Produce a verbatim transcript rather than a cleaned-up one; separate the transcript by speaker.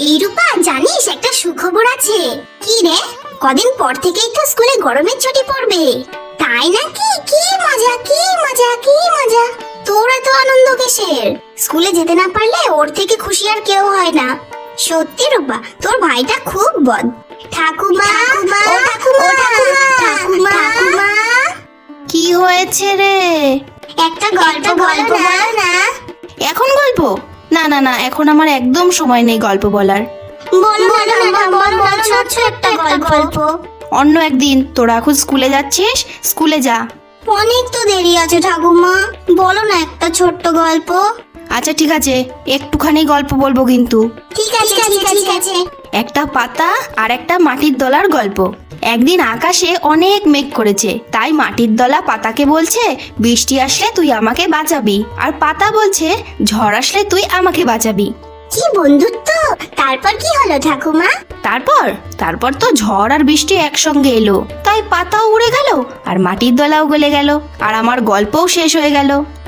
Speaker 1: এই রূপা, জানিস একটা সুখবর আছে? কি রে? কদিন পর থেকেই তো স্কুলে গরমের ছুটি পড়বে। তাই নাকি? কি মজা, কি মজা, কি মজা! তোর এত আনন্দ কিসের? স্কুলে যেতে না পারলে ওর থেকে খুশি আর কেউ হয় না। সত্যি রূপা, তোর ভাইটা খুব বদ। ঠাকুমা, ও ঠাকুমা, ঠাকুমা, ঠাকুমা।
Speaker 2: কি হয়েছে রে?
Speaker 1: একটা গল্প গল্প বলো না।
Speaker 2: এখন গল্প? না না না, এখন আমার একদম সময় নেই গল্প বলার।
Speaker 1: বলো বলো না, বলো না, ছোট্ট একটা গল্প।
Speaker 2: অন্য একদিন। তোরা এখন স্কুলে যাচ্ছিস, স্কুলে যা।
Speaker 1: অনেক তো দেরি আছে ঠাকুমা, বলো না একটা ছোট্ট গল্প।
Speaker 2: আচ্ছা ঠিক আছে, একটুখানি গল্প বলবো কিন্তু।
Speaker 1: ঠিক আছে ঠিক আছে ঠিক আছে।
Speaker 2: একটা পাতা আর একটা মাটির দলার গল্প। একদিন আকাশে অনেক মেঘ করেছে, তাই মাটির দলা পাতাকে বলছে, বৃষ্টি আসলে তুই আমাকে বাঁচাবি। আর পাতা বলছে, ঝড় আসলে তুই আমাকে বাঁচাবি।
Speaker 1: কি বন্ধুত্ব! তারপর কি হলো ঠাকুমা?
Speaker 2: তারপর তারপর তো ঝড় আর বৃষ্টি একসঙ্গে এলো, তাই পাতাও উড়ে গেল আর মাটির দলাও গলে গেল, আর আমার গল্পও শেষ হয়ে গেল।